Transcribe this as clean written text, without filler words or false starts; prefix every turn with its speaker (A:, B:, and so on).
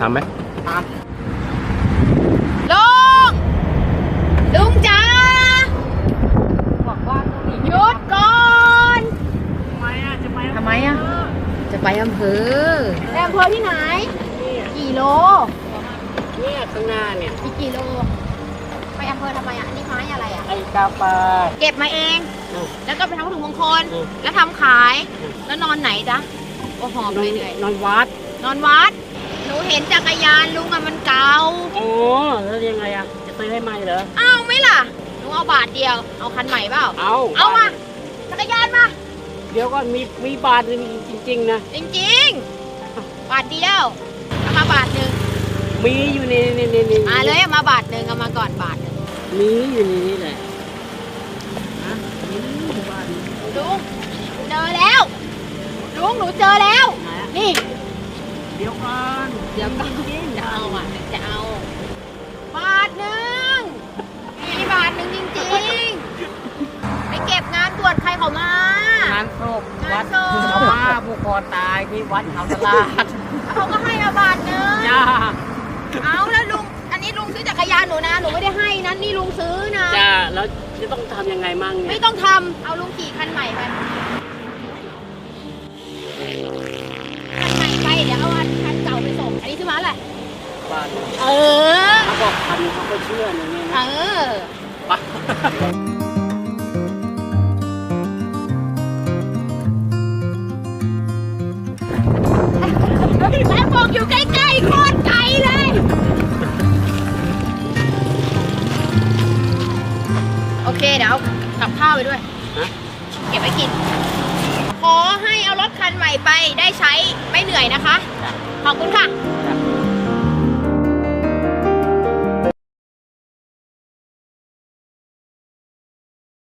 A: ทำไหม
B: ตามลุงจ๋าบอกว่าหยุดก่อนทำไมอ่ะจะไปอำเภอที่ไหนกี่โลเนี่ยข้างหน้าเนี่ยอีกกี่โลไปอำเภอทำไมอ่ะนี่ไม้อะไรอ่ะไอ้กาปาเก็บมาเองแล้วก็ไปทำวัตถุมงคลแล้วทำขายแล้วนอนไหนจ๊ะโอ้หอมเลยเหนื่อยนอนวัดหนูเห็นจักรยานลุงอะมันเก่าอ๋อแล้วยังไงอะจะซื้อให้ใหม่เหรอเอาไหมล่ะหนูเอาบาทเดียวเอาคันใหม่เปล่าเอามาจักรยานมาเดี๋ยวก็มีบาทนึงจริงๆนะจริงๆบาทเดียวเอามาบาทนึงมีอยู่ในมาเลยเอามาบาทนึงเอามาก่อนบาทนึงมีอยู่ในนี้เลยลุงเจอแล้วลุงหนูเจอแล้วนี่เดี๋ยวก่อนจะเอาอ่ะจะเอาบาทนึงมีบาทนึงจริงๆไปเก็บงานตรวจใครเขามางานศพวัดเขามาผู้คอตายที่วัดเขาตลาดเขาก็ให้มาบาทนึงเอาแล้วลุงอันนี้ลุงซื้อจักรยานหนูนะหนูไม่ได้ให้นะนี่ลุงซื้อนะจ้าแล้วจะต้องทำยังไงมั่งเนี่ยไม่ต้องทำเอาลุงขี่คันใหม่ไปไปเดี๋ยวเอาคันเก่าไปส่งอันนี้ซื้อมาอะไรบ้านเขาบอกคันเขาก็เชื่ออย่างนี้นะแล้วบอกอยู่ใกล้ๆโคตรไกลเลยโอเคเดี๋ยวกับข้าวไปด้วยเก็บไว้กินขอให้เอารถคันใหม่ไปได้ใช้ไม่เหนื่อยนะคะขอบคุณค่ะ